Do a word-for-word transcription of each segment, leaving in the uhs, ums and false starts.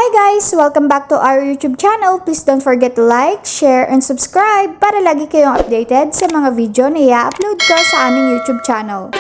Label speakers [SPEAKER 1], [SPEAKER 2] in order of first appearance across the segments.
[SPEAKER 1] Hi guys! Welcome back to our YouTube channel. Please don't forget to like, share, and subscribe para lagi kayong updated sa mga video na i-upload ko sa aming YouTube channel.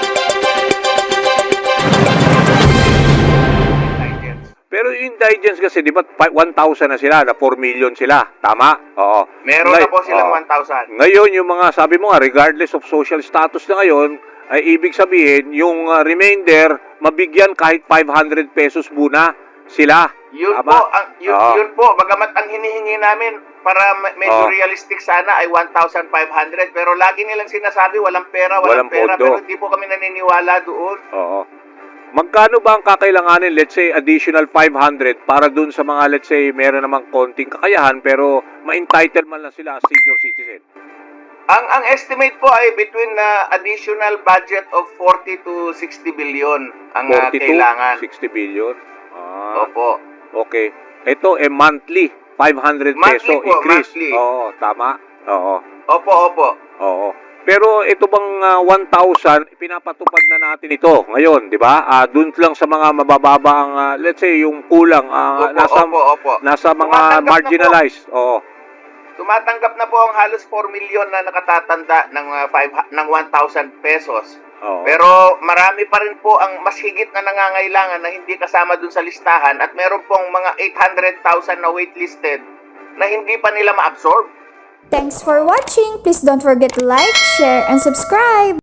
[SPEAKER 2] Pero yung indigents kasi, di ba, one thousand na sila, na four million sila. Tama? Oo.
[SPEAKER 3] Meron
[SPEAKER 2] Ngay-
[SPEAKER 3] na po silang
[SPEAKER 2] oo.
[SPEAKER 3] one thousand.
[SPEAKER 2] Ngayon, yung mga, sabi mo nga, regardless of social status na ngayon, ay ibig sabihin, yung uh, remainder, mabigyan kahit five hundred pesos muna sila.
[SPEAKER 3] Yun
[SPEAKER 2] Tama?
[SPEAKER 3] po, ang, yun,
[SPEAKER 2] Oo.
[SPEAKER 3] yun po, bagamat ang hinihingi namin para me- medyo
[SPEAKER 2] Oo.
[SPEAKER 3] realistic sana ay one thousand five hundred, pero lagi nilang sinasabi walang pera, walang,
[SPEAKER 2] Walang
[SPEAKER 3] pera,
[SPEAKER 2] pondo.
[SPEAKER 3] pero hindi po kami naniniwala doon.
[SPEAKER 2] Oo. Magkano ba ang kakailanganin, let's say, additional five hundred para dun sa mga, let's say, meron namang konting kakayahan pero ma-entitle man lang sila as senior citizen?
[SPEAKER 3] Ang ang estimate po ay between uh, additional budget of forty to sixty billion ang uh,
[SPEAKER 2] forty to
[SPEAKER 3] kailangan.
[SPEAKER 2] sixty billion? Ah,
[SPEAKER 3] Opo.
[SPEAKER 2] okay. Ito, eh, monthly, five hundred
[SPEAKER 3] Monthly
[SPEAKER 2] peso
[SPEAKER 3] po,
[SPEAKER 2] increase.
[SPEAKER 3] monthly.
[SPEAKER 2] Oo, tama? Oo.
[SPEAKER 3] Opo, opo.
[SPEAKER 2] Oo. Pero ito bang uh, one thousand, pinapatupad na natin ito ngayon, di ba? Uh, doon lang sa mga mabababa ang, uh, let's say, yung kulang, uh,
[SPEAKER 3] Opo,
[SPEAKER 2] nasa,
[SPEAKER 3] opo, opo.
[SPEAKER 2] nasa mga
[SPEAKER 3] Tumatanggap na po.
[SPEAKER 2] marginalized. Oo.
[SPEAKER 3] Tumatanggap na po ang halos four million na nakatatanda ng uh, five, ng one thousand pesos.
[SPEAKER 2] Oo.
[SPEAKER 3] Pero marami pa rin po ang mas higit na nangangailangan na hindi kasama dun sa listahan at meron pong mga eight hundred thousand na waitlisted na hindi pa nila ma-absorb.
[SPEAKER 1] Thanks for watching! Please don't forget to like, share, and subscribe!